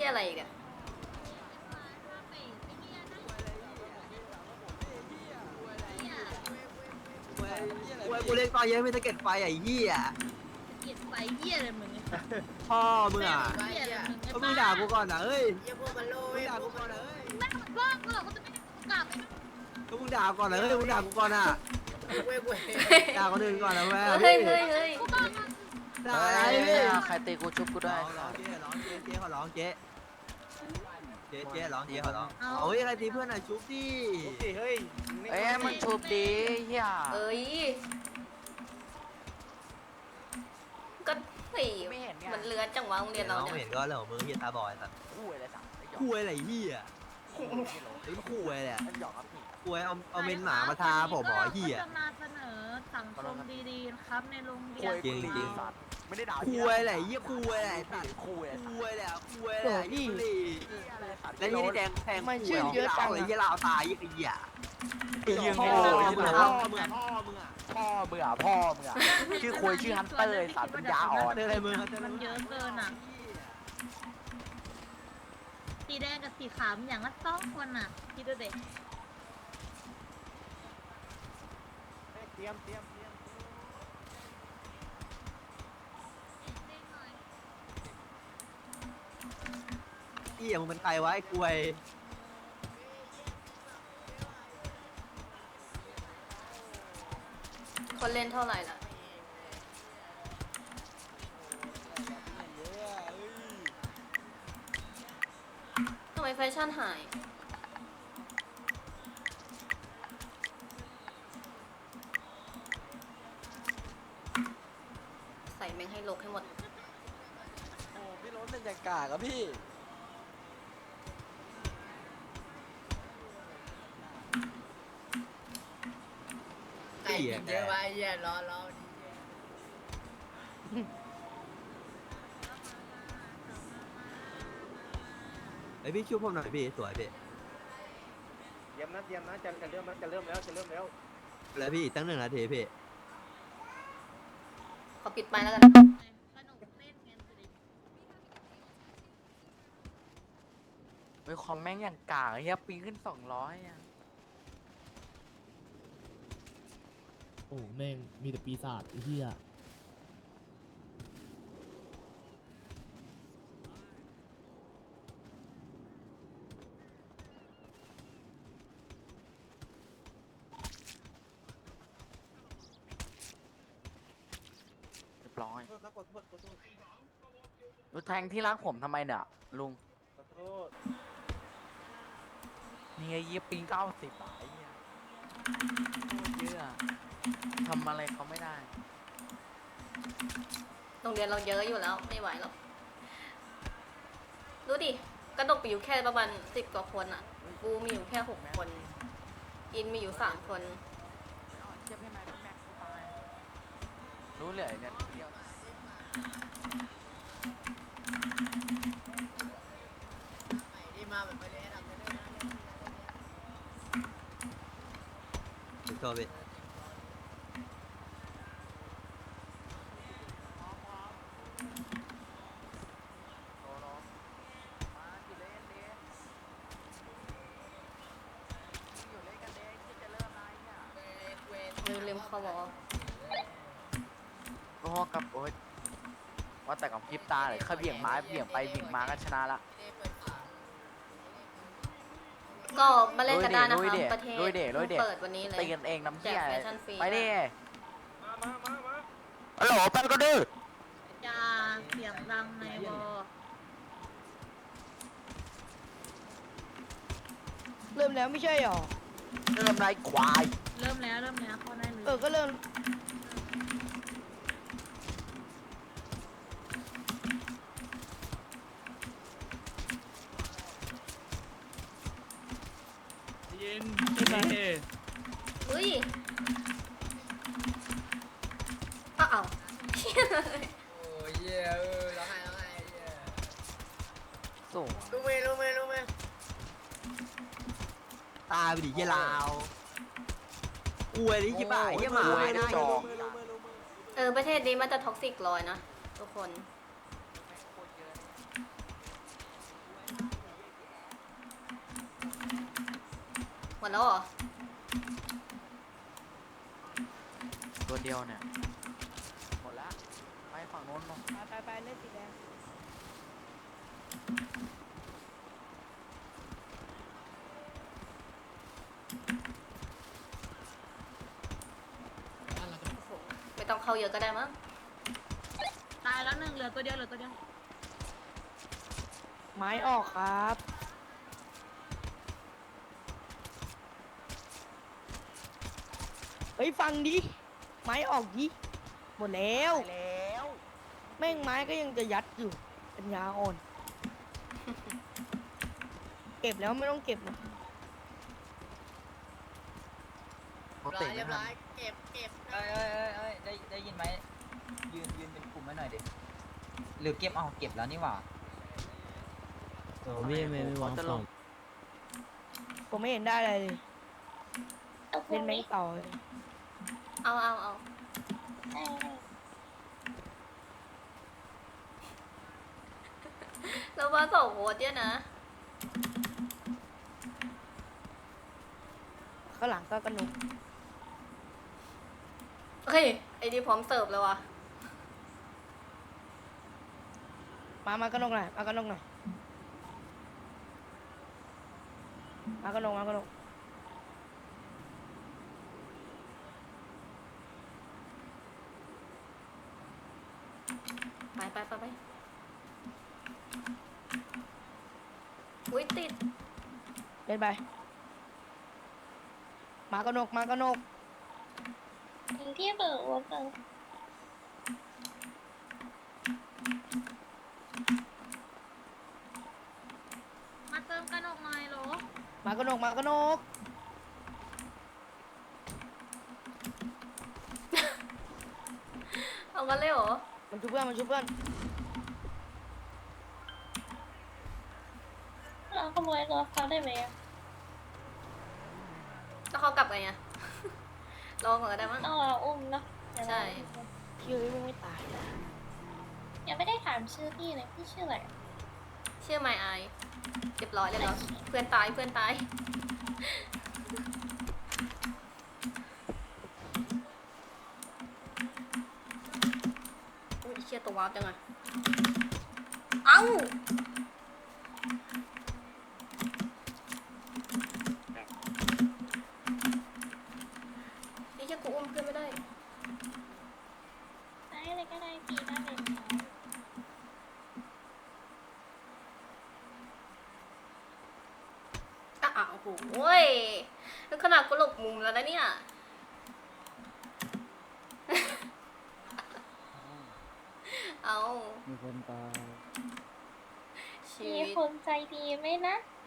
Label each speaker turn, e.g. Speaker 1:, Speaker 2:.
Speaker 1: อะไรอีกอะ
Speaker 2: กูเล่นต่อเยอะไม่ตะเก็ดไฟไอ้เหี้ย
Speaker 3: เกลียดไฟเหี้ยอะไรมึง
Speaker 2: พ่อมึงอ่ะ
Speaker 3: เหี้ยอะไรมึง
Speaker 2: ก็มึงด่ากูก่อนนะเฮ้ย
Speaker 4: เยี่ยพวกมันโล
Speaker 2: มึง
Speaker 4: ย
Speaker 2: ด่ากูก่อนนะเฮ้ย
Speaker 3: ไม่ทำบ้ากูหรอกกูจะไม่ได้กลับ
Speaker 2: ก็มึงด่าก่อนนะเฮ้ยมึงด่ากูก่อนอ่ะ
Speaker 4: เว้ยเว้ย
Speaker 2: ด่าคนอื่นก่อนนะแม่
Speaker 1: เฮ้ยเฮ้ยเฮ้ย
Speaker 2: ด่าอะไรพี่
Speaker 5: ใครตีกูชุบกูได้
Speaker 2: ร้องเจ๊ร้องเจ๊ขอร้องเจ๊เจ๊ร้องเจ๊ขอร้องเอาเฮ้ยอะไรตีเพื่อนอ่ะชุบดิ
Speaker 5: เอ้ยมันชุบดีเฮีย
Speaker 1: เอ้ยก็เฮ้ยมันเลื้อนจังวะโรงเรียนเรา
Speaker 2: น้อง
Speaker 1: เนี่ย
Speaker 2: เห็นก็เรื่องของมึงเฮียตาบอยสัตว์
Speaker 5: คู่อะไรสั่ง
Speaker 2: คุยอะไรเฮียไอ้คุยอะไร
Speaker 5: มันหยอกครับพี่
Speaker 2: คุยเอาเมนหมามาทาผมหมอเฮีย
Speaker 3: จะมาเสนอสังคมดีๆนะครับในโรงเรียน
Speaker 2: จริง
Speaker 5: ไม่ได้ด่า
Speaker 2: คุยอะไรเฮียคุยอะไรสัตว์
Speaker 5: คู่อะไร
Speaker 2: คุยอะไรคุยอะไรยี่ลีแล้วนี่แดงแทง
Speaker 4: มันชื่อเยอะจัง
Speaker 2: ไอ้เหี้ยลาวตายยี่ไอ้เหี้ย
Speaker 5: ยืน
Speaker 2: พ่
Speaker 5: โง่
Speaker 2: อ
Speaker 5: ยืน
Speaker 2: มึง
Speaker 5: โง่
Speaker 2: พ่อมึงอ่ะ
Speaker 5: พ่อเบื่อพ่อเบื่อชื่อคุยชื่อฮันเตอร์สารปัญญาอ่อน
Speaker 2: อะไรมึง
Speaker 3: มันเยอะเกินอ่ะสีแดงกับสีขาวอย่างละ2 คนอ่ะคิดดูเด็ก
Speaker 5: เตรียม
Speaker 2: เหี้ยมึงเป็นใครวะไอ้กล้วย
Speaker 1: คนเล่นเท่าไหร่ล่ะทำไมแฟชั่นหายใส่แม่งให้ลกให้หมด
Speaker 5: โอ้พี่ล้นเป็นอย่างกากอะพี่
Speaker 4: ไอ้กินเยอะวะไอ้เหี้ยรอ
Speaker 2: ไอ้พี่ช่วยผมหน่อยพี่สวยพี่
Speaker 5: เตรียมนะจะเริ่มแล้ว
Speaker 2: แล้วพี่ตั้ง1 นาทีพี่
Speaker 1: ขอปิดไปแล้วกัน
Speaker 3: สนุกเล่นกันสิ
Speaker 5: เฮ้ยคอมแม่งอย่างกากเฮียปิงขึ้น200อ่ะ
Speaker 6: โอ้แม่งมีแต่ปีศาจไอ้เหี้ย
Speaker 5: เรียบร้อยดูแทงที่รักผมทำไมเนี่ยลุงนี่ไงเยี่ยปิง90อ่ะไอ้เหี้ยโคตรเยอะอะทำอะไรเขาไม่ได้
Speaker 1: โรงเรียนเราเยอะอยู่แล้วไม่ไหวหรอกดูดิกระดกไปอยู่แค่ประมาณ10 กว่าคนอ่ะกูมีอยู่แค่6 คนอินมีอยู่3 คน
Speaker 5: เทียบให้ไหมแม็กซ์ตายรู้เลยเนี่ยเดียว
Speaker 4: นี่มาแบบไปเลยนะไปเลยนะ
Speaker 2: ถึงโทษพี่
Speaker 5: โอ้โหมากี่เล่นดิอยู่เล่นกันเด็กที่จะเริ่มอะไรเนี่ย
Speaker 1: ลืมเข้าวอล
Speaker 5: โอ้กับโอ้ยว่าแต่กับพริบตาเลยแค่เบี่ยงไม้เบี่ยงไปเบี่ยงมาก็ชนะละ
Speaker 1: ก็มาเล่นกันได้นะ
Speaker 5: ลุย
Speaker 1: คะ
Speaker 5: ดิ
Speaker 1: ประเทศ
Speaker 5: ลุยดิลุยดิ
Speaker 1: เปิดวันนี้เลย
Speaker 5: ตีกันเองน้ำเชี่ย
Speaker 1: แจกแฟชั่นฟรี
Speaker 5: ไปดิฮัลโหลแป๊บก็ดื้อ
Speaker 3: อย่าเสียงดังในวอ
Speaker 4: เริ่มแล้วไม่ใช่หรอ
Speaker 5: เริ่มไรควาย
Speaker 3: เริ่มแล้วเข้าได้เลย
Speaker 4: ก็เริ่ม
Speaker 6: ยินใช่ไหม
Speaker 1: อุ้ยอ้าว
Speaker 4: โอ้ยเหี้ยร้องไห้เหี้ย
Speaker 5: สูง
Speaker 4: รู้ไหม
Speaker 2: ตายไปดิเหี้ยลาวกล้วยนี่ยี่บ้าเหี้ยหมาได้
Speaker 5: จอก
Speaker 1: ประเทศนี้มันจะท็อกซิกลอยนะทุกคนหมดแล้วเหรอ
Speaker 5: ตัวเดียวเนี่ยหมดละไปฝั่งโน้นลง
Speaker 7: ไปเล่นสีแดง
Speaker 1: ไม่ต้องเข้าเยอะก็ได้มั้ง
Speaker 3: ตายแล้วหนึ่งเหลือตัวเดียวเหลือตัวเดียว
Speaker 7: ไม้ออกครับเฮ้ยฟังดิไม้ออกดิหมดแล้ว
Speaker 5: แล้ว
Speaker 7: แม่งไม้ก็ยังจะยัดอยู่ปัญญาอ่อน เก็บแล้วไม่ต้องเก็บนะ
Speaker 5: เขา
Speaker 4: ร้อ
Speaker 5: เตะ
Speaker 4: ยเรี
Speaker 5: ไม่
Speaker 4: ยบ
Speaker 5: ทั
Speaker 4: ร้อน ยเก็บ
Speaker 2: ได้ยินไหมยืนเป็นกลุ่มไว้หน่อยดิหรือเก็บเอาเก็บแล้วนี่หว่า
Speaker 6: พี่ไม่วางฝั่ง
Speaker 7: ผมไม่เห็นได้อะไรเลยเล่นแม่งต่อเลย
Speaker 1: เอาแล้วว่าส่งโหดเนี่ยนะ
Speaker 7: ข้างหลังก็กระหนุก
Speaker 1: เฮ้ย ไอ้นี่พร้อมเสิร์ฟแล้ววะ
Speaker 7: มากระหนกหน่อยมากระหนกหน่อยมากระหนก
Speaker 1: ไปอุ้ยติด
Speaker 7: เล่นไปมากระหนก
Speaker 3: ที่เบิกว่าเบิกมาเติมกระหนกหน่อยโหล
Speaker 7: มากระหนก
Speaker 1: เอากันเลยเหรอ
Speaker 7: มันชุบเพื่อน
Speaker 3: เราขโมยรถเขาได้ไหม
Speaker 1: แล้วเขากลับไงอะ รอก่อนก็ได้มั้ง
Speaker 3: ต้องเราอุ้มเนาะ
Speaker 1: ใช่
Speaker 7: เชื่อไม่ไม่ตาย
Speaker 3: ยังไม่ได้ถามชื่อพี่เลยพี่ชื่ออะไร
Speaker 1: ชื่อไมไอเรียบร้อยเลยเนาะเพื่อนตายอุ้ยเชี่ยตัววาร์ปจังอะเอ้านี่เชี่ยกูอุ้มเพื่อนไม่ได้
Speaker 3: ได้เลยก็ได้พี่ได้เลย
Speaker 1: โอ้โหแล้วขนาดกูหลบมุมแล้วนะเนี่ย เอา
Speaker 6: มีคนตาย
Speaker 1: ชี
Speaker 3: มี
Speaker 1: วิต
Speaker 3: คนใจดีไหมนะ